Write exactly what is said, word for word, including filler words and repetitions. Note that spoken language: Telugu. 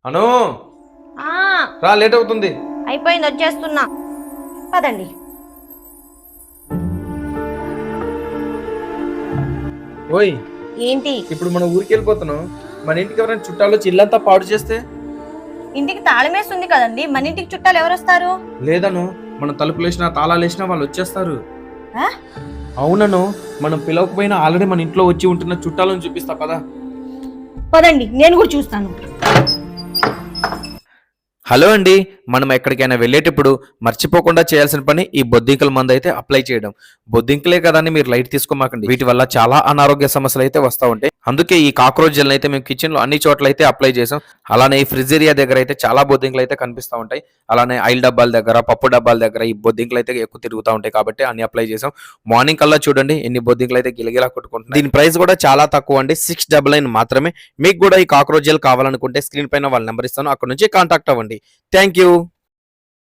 అను ఆ రా, లేట్ అవుతుంది. అయిపోయింది, వచ్చేస్తున్నా. పదండి. ఓయ్, ఏంటి? ఇప్పుడు మనం ఊరికి వెళ్ళిపోతున్నాం. మన ఇంటికి ఎవరైనా చుట్టాలు వచ్చి ఇల్లంతా పాడు చేస్తే? ఇంటికి తాళం వేస్తుంది కదండి, మన ఇంటికి చుట్టాలు ఎవరు వస్తారు? లేదను, మనం తలుపులు వేసినా తాళాలు వేసినా వాళ్ళు వచ్చేస్తారు. ఆ? అవునను, మనం పిలవకపోయినా ఆల్రెడీ మన ఇంట్లో వచ్చి ఉంటున్న చుట్టాలను చూపిస్తా పదా. పదండి, నేను కూడా చూస్తాను. హలో అండి, మనం ఎక్కడికైనా వెళ్ళేటప్పుడు మర్చిపోకుండా చేయాల్సిన పని ఈ బొద్దింకల మందు అయితే అప్లై చేయడం. బొద్దింకలే కదా అని మీరు లైట్ తీసుకోమాకండి, వీటి వల్ల చాలా అనారోగ్య సమస్యలు అయితే వస్తూ ఉంటాయి. అందుకే ఈ కాక్రోచ్ జెల్ అయితే మేము కిచెన్ లో అన్ని చోట్ల అయితే అప్లై చేసాం. అలానే ఈ ఫ్రిడ్జ్ ఏరియా దగ్గర అయితే చాలా బొద్దింకలు అయితే కనిపిస్తూ ఉంటాయి. అలానే ఆయిల్ డబ్బాల దగ్గర, పప్పు డబ్బాల దగ్గర ఈ బొద్దింకలు అయితే ఎక్కువ తిరుగుతూ ఉంటాయి కాబట్టి అన్ని అప్లై చేసాం. మార్నింగ్ కల్లా చూడండి ఎన్ని బొద్దింకలు అయితే గిలగిలా కొట్టుకుంటున్నాయి. దీని ప్రైస్ కూడా చాలా తక్కువ అండి, సిక్స్ డబల్ నైన్ మాత్రమే. మీకు కూడా ఈ కాక్రోచ్ జెల్ కావాలనుకుంటే స్క్రీన్ పైన వాళ్ళ నెంబర్ ఇస్తాను, అక్కడ నుంచి కాంటాక్ట్ అవ్వండి. Thank you.